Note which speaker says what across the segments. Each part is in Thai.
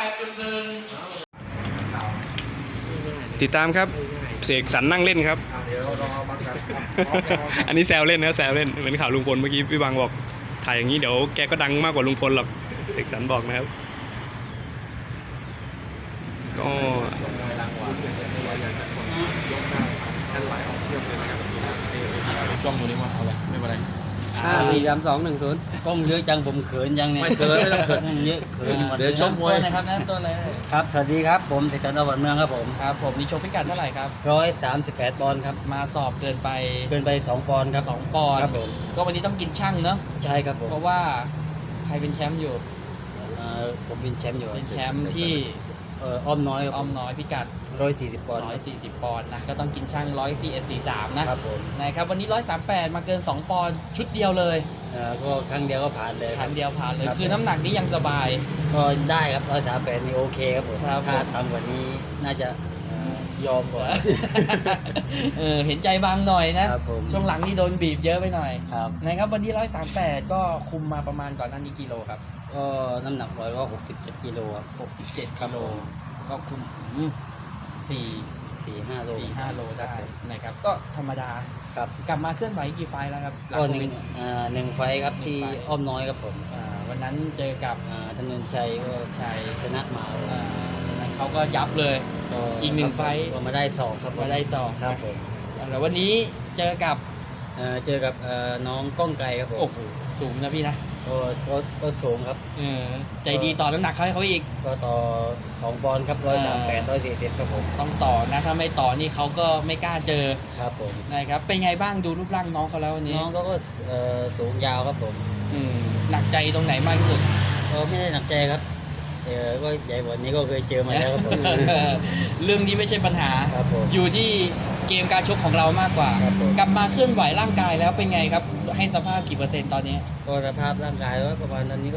Speaker 1: ติดตามครับเสกสรรนั่งเล่นครับ อันนี้แซวเล่นนะแซวเล่นเหมือนข่าวลุงพลเมื่อกี้พี่บางบอกถ่ายอย่างนี้เดี๋ยวแกก็ดังมากกว่าลุงพลหรอกเสกสรรบอกนะครับก็
Speaker 2: จ้องตัวนี้ว่าเอาละไม่เป็นไร
Speaker 3: 5 4 3 2 1 0กล้องเยอะจังผมเขินจังเนี่ย
Speaker 2: ไม่เขินไม่ต้องเขิน
Speaker 3: เยอะเขิน
Speaker 2: เดี๋ยวชมมวย
Speaker 4: นะครับนั่นต้นเลย
Speaker 3: ครับสวัสดีครับผมเสกสรร อ.เมืองครับผม
Speaker 4: ครับผมนี่ชกพิกัดเท่าไหร่ครับ
Speaker 3: 138 ปอนด์ครับ
Speaker 4: มาสอบเกินไป
Speaker 3: เกินไป2 ปอนด์ครับ
Speaker 4: 2 ปอนด์
Speaker 3: ครับผม
Speaker 4: ก็วันนี้ต้องกินช่างเนาะ
Speaker 3: ใช่ครับผม
Speaker 4: เพราะว่าใครเป็นแชมป์อยู่
Speaker 3: ผมเป็นแชมป์อยู่
Speaker 4: เป็นแชมป์ที่
Speaker 3: อ้อมน้อยครับ
Speaker 4: อ้อมน้อยพิกัด
Speaker 3: 140 ปอนด์
Speaker 4: 140 ปอนด์นะก็ต้องกินช่าง141.43นะครับ
Speaker 3: ผม
Speaker 4: นะครับวันนี้138มาเกิน2 ปอนด์ชุดเดียวเลย
Speaker 3: ก็ครั้งเดียวก็ผ่านเลย
Speaker 4: ครั้งเดียวผ่านเลย
Speaker 3: ครับ
Speaker 4: คือน้ำหนักนี้ยังสบาย
Speaker 3: ก็ได้ครับ138นี่โอเคครับผม
Speaker 4: ครับผม
Speaker 3: ถ้าต่ำกว่านี้น่าจะยอมกว่า
Speaker 4: เห็นใจบางหน่อยนะครับ
Speaker 3: ผม
Speaker 4: ช่วงหลังนี่โดนบีบเยอะไปหน่อย
Speaker 3: ครับ
Speaker 4: นะครับวันนี้138ก็คุมมาประมาณก่อนหน้านี้กิโลครับ
Speaker 3: ก็น้ำหนักปล่อยก็67 กิโลครับ
Speaker 4: 67กิโลก็คุม
Speaker 3: 4-5 โล
Speaker 4: 4-5 โลได้นะครับก็ธรรมดา
Speaker 3: ครับ
Speaker 4: กลับมาเคลื่อนไหวกี่ไฟล์แล้วครับหลัง
Speaker 3: ก็
Speaker 4: โค
Speaker 3: ห
Speaker 4: วิ
Speaker 3: นึ่
Speaker 4: ด
Speaker 3: งหนึ่งไฟท์ครับที่
Speaker 4: หนึ่งไฟท์
Speaker 3: อ้อมน้อยครับผม
Speaker 4: วันนั้นเจอกับ
Speaker 3: ถนนชัยก็
Speaker 4: ชัย
Speaker 3: ชนะมา
Speaker 4: วันนั้นเขาก็ยับเลย อีกหนึ่งไฟท์
Speaker 3: ก็มาได้สองครับ
Speaker 4: มาได้สอง
Speaker 3: ครับผม
Speaker 4: แล้ววันนี้เจอกับ
Speaker 3: เจอกับน้องก้องไกลครับผม
Speaker 4: โอ้โหสูงนะพี่นะ
Speaker 3: ก็สูงครับ
Speaker 4: ใจดีต่อน้ำหนักให้เขาอีก
Speaker 3: ก็ต่อ2 ปอนด์ครับ138 141ครับผม
Speaker 4: ต้องต่อนะถ้าไม่ต่อนี่เขาก็ไม่กล้าเจอ
Speaker 3: ครับผม
Speaker 4: นะครับเป็นไงบ้างดูรูปร่างน้องเขาแล้ววันนี้
Speaker 3: น้องก็สูงยาวครับผม
Speaker 4: หนักใจตรงไหนมากที่สุด
Speaker 3: ก็ไม่ได้หนักใจครับก็ใหญ่กว่านี้ก็เคยเจอมาแล้วครับผม
Speaker 4: เรื่องนี้ไม่ใช่ปัญหา
Speaker 3: ครับผม
Speaker 4: อยู่ที่เกมการชกของเรามากกว่า
Speaker 3: ครับผม
Speaker 4: กลับมาเคลื่อนไหวร่างกายแล้วเป็นไงครับ ให้สภาพกี่เปอร์เซ็นต์ตอนนี้
Speaker 3: ก็สภาพร่างกายก็ประมาณตอนนี้ก็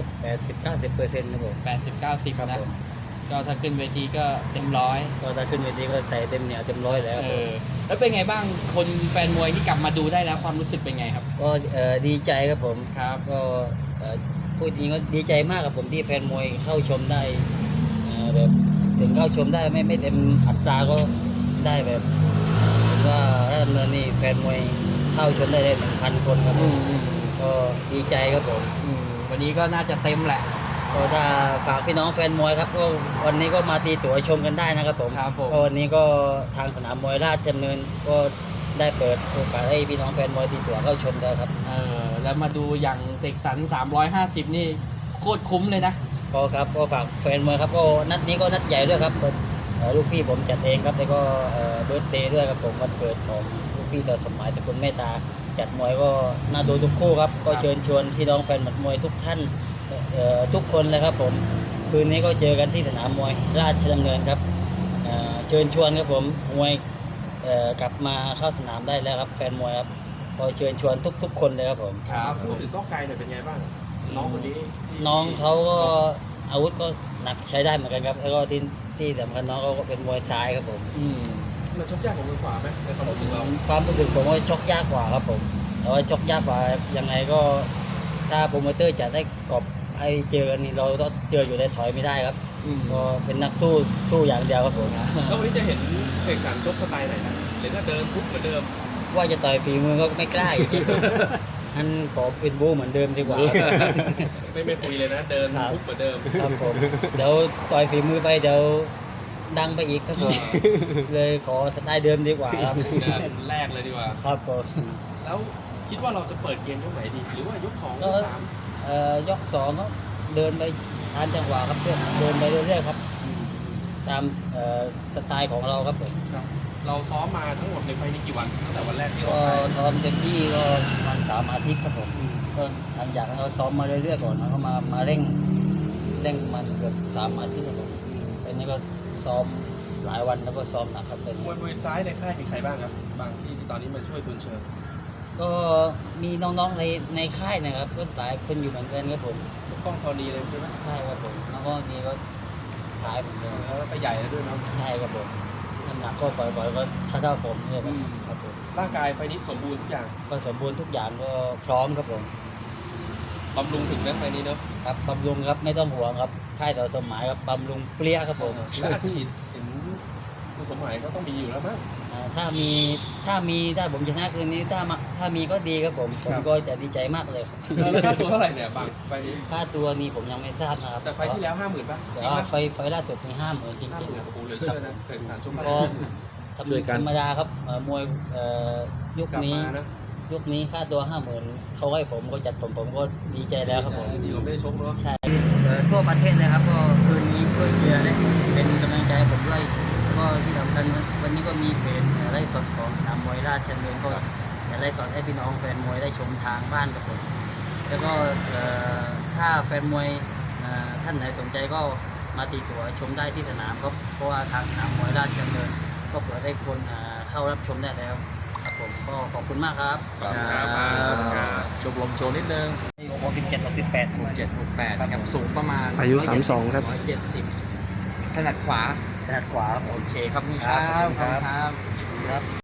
Speaker 3: 80-90%ครับผม
Speaker 4: 80-90
Speaker 3: ครับ
Speaker 4: นะ
Speaker 3: ผม
Speaker 4: ก็ถ้าขึ้นเวทีก็เต็มร้อย
Speaker 3: ก็ถ้าขึ้นเวทีก็ใส่เต็มเหนียวเต็มร้อยแล้วครับผม
Speaker 4: แล้วเป็นไงบ้างคนแฟนมวยที่กลับมาดูได้แล้วความรู้สึกเป็นไงครับ
Speaker 3: ก็ดีใจครับผม
Speaker 4: ครับ
Speaker 3: ก็พูดจริงก็ดีใจมากครับผมที่แฟนมวยเข้าชมได้แบบถึงเข้าชมได้ไม่เต็มอัตราก็ได้แบบผมว่าถ้าดำเนินนี่แฟนมวยเข้าชมได้1,000 คนครับผมก็ดีใจครับผม
Speaker 4: วันนี้ก็น่าจะเต็มแหละ
Speaker 3: ก็ถ้าฝากพี่น้องแฟนมวยครับก็วันนี้ก็มาตีตั๋วชมกันได้นะครับผม
Speaker 4: ครับผม
Speaker 3: ก็วันนี้ก็ทางสนามมวยราชดำเนินก็ได้เปิดโอกาสให้พี่น้องแฟนมวยตีตั๋วเข้าชมแล้วครับ
Speaker 4: แล้วมาดูอย่างเสกสรร350นี่โคตรคุ้มเลยนะ
Speaker 3: ก็ครับก็ฝากแฟนมวยครับก็นัดนี้ก็นัดใหญ่ด้วยครับลูกพี่ผมจัดเองครับแล้วก็เบิร์ธเดย์ด้วยครับผมวันเกิดของลูกพี่ต่อสมัยตระกูลเมตตาจัดมวยก็น่าดูทุกคู่ครับก็เชิญชวนพี่น้องแฟนหมัดมวยทุกท่านทุกคนเลยครับผมคืนนี้ก็เจอกันที่สนามมวยราชดำเนินครับเชิญชวนครับผมมวยกลับมาเข้าสนามได้แล้วครับแฟนมวยครับก็เชิญชวนทุกคนเลยครับผม
Speaker 4: ครับ
Speaker 2: พูดถึงก้องไกลหน่อยเป็นไงบ้างน้องคนนี้
Speaker 3: น้องเขาก็อาวุธก็หนักใช้ได้เหมือนกันครับแล้วก็ที่สำคัญน้องเขาก็เป็นมวยซ้ายครับผม
Speaker 2: มันชกยากกว่ามือขวาไหมในความรู้สึกเรา
Speaker 3: ความรู้สึกผมว่าชกยากกว่าครับผมแต่ว่าชกยากกว่ายังไงก็ถ้าโปรโมเตอร์จะได้กรอบให้เจอกันนี่เราต้องเจออยู่ได้ถอยไม่ได้ครับก็เป็นนักสู้อย่างเดียวครับผม
Speaker 2: แล้ววันนี้จะเห็นเสกสรรชกสไตล์ไหนนะหรือก็เดินทุบเหมือนเดิม
Speaker 3: ว่าจะต่อยฝีมือก็ไม่กล้าอีก อันขอเป็นบู๊เหมือนเดิมดีกว่า
Speaker 2: ไม่คุยเลยนะเดินทุบเหมือนเดิม
Speaker 3: ครับผมเดี๋ยวต่อยฝีมือไปเดี๋ยวดังไปอีกครับผมเลยขอสไตล์เดิมดีกว่าครับ
Speaker 2: แรกเลยดีกว่า
Speaker 3: ครับผม
Speaker 2: แล้วคิดว่าเราจะเปิดเกมยกไหนดี หรือว่ายก2ยก3
Speaker 3: ยก2ก็เดินไปตามจังหวะครับเดินไปเรื่อยๆครับตามสไตล์ของเราครับผม
Speaker 2: เราซ้อมมาทั้งหมดในไฟล์นี้กี่วันตั้งแต่วันแรกที่เรา
Speaker 3: ก็
Speaker 2: ไป
Speaker 3: ซ้อมเต็มที่ก็ประมาณ3 อาทิตย์ครับผมก็หลังจากนั้นเราซ้อมมาเรื่อยๆก่อนแล้วก็มาเร่งมันเกือบ3 อาทิตย์ครับผมอันนี้ก็ซ้อมหลายวันแล้วก็ซ้อมหนักครับตอน
Speaker 2: ม
Speaker 3: นี้
Speaker 2: วยบริเวณซ้ายในค่ายมีใครบ้างครับ บางที่ตอนนี้มาช่วยทุนเชิญ
Speaker 3: ก็มีน้องๆในค่ายนะครับก็หลายคนอยู่เหมือนกันครับผม
Speaker 2: กล้องธรณีเลยใช่ไหม
Speaker 3: ใช่ครับผมแล้วก็มีก็ชายผมด้วย
Speaker 2: แล้วก็ใหญ่แล้วด้วยเนาะ
Speaker 3: ใช่ครับผมน้ำหนักก็ปล่อยๆก็เท่าผมเนี่ยครับผม
Speaker 2: ร่างกายไฟล์นี้สมบูรณ์ทุกอย่าง
Speaker 3: ก็สมบูรณ์ทุกอย่างก็พร้อมครับผม
Speaker 2: บำรุงถึงนะไฟนี้เนาะ
Speaker 3: ครับบำรุงครับไม่ต้องห่วงครับค่ายต่อสมหมายครับบำรุงเปรี้ยครับผม
Speaker 2: และอัดฉีดถึงคุณสมหมายก็ต้องมีอยู่แล้วมั้ง
Speaker 3: ถ้าผมชนะคืนนี้ถ้ามีก็ดีครับผมก็จะดีใจมากเลยครับ
Speaker 2: แล้วค่าตัวเท่าไหร่เนี่ยบางไฟนี้
Speaker 3: ค่าตัวนี้ผมยังไม่ทราบนะครับ
Speaker 2: แต่ไฟที่แล้ว 50,000ป่ะ
Speaker 3: แต่ว่าไฟล่าสุดนี่50,000จริง
Speaker 2: 50,000
Speaker 3: ๆ
Speaker 2: โอ้โหเหลือเชื่อนะเสกสรรชม
Speaker 3: ก็
Speaker 2: ช่วยกัน
Speaker 3: ธรรมดาครับมวยยุค
Speaker 2: กลับ
Speaker 3: นี้
Speaker 2: มานะ
Speaker 3: ยุคนี้ค่าตัว 50,000เขาให้ผมก็จัดผมก็ดีใจแล้วครับผม
Speaker 2: ดีกว่าไม่ได้ชกเนาะ
Speaker 3: ใช่ทั่วประเทศเลยครับก็คืนนี้ช่วยเชียร์และเป็นกำลังใจให้ผมด้วยก็ที่สำคัญวันนี้ก็มีเพจไลฟ์สดของสนามมวยราชดำเนินก็ไลฟ์สดให้พี่น้องแฟนมวยได้ชมทางบ้านกับผมแล้วก็ถ้าแฟนมวยท่านไหนสนใจก็มาตีตั๋วชมได้ที่สนามครับเพราะว่าทางสนามมวยราชดำเนินก็เปิดให้คนเข้ารับชมได้แล้วครับผมก็ขอบคุณมากครับ
Speaker 4: ชมรมโชว์นิดนึง
Speaker 3: 67 68
Speaker 4: 768ครับสูงประมาณ
Speaker 1: อายุ32ครับ
Speaker 3: 170
Speaker 4: ถนัดขวา
Speaker 3: ขนาดขวาครับ
Speaker 4: โอเคครับนี่ครับ
Speaker 3: ครับ
Speaker 4: ครับ
Speaker 3: ครับ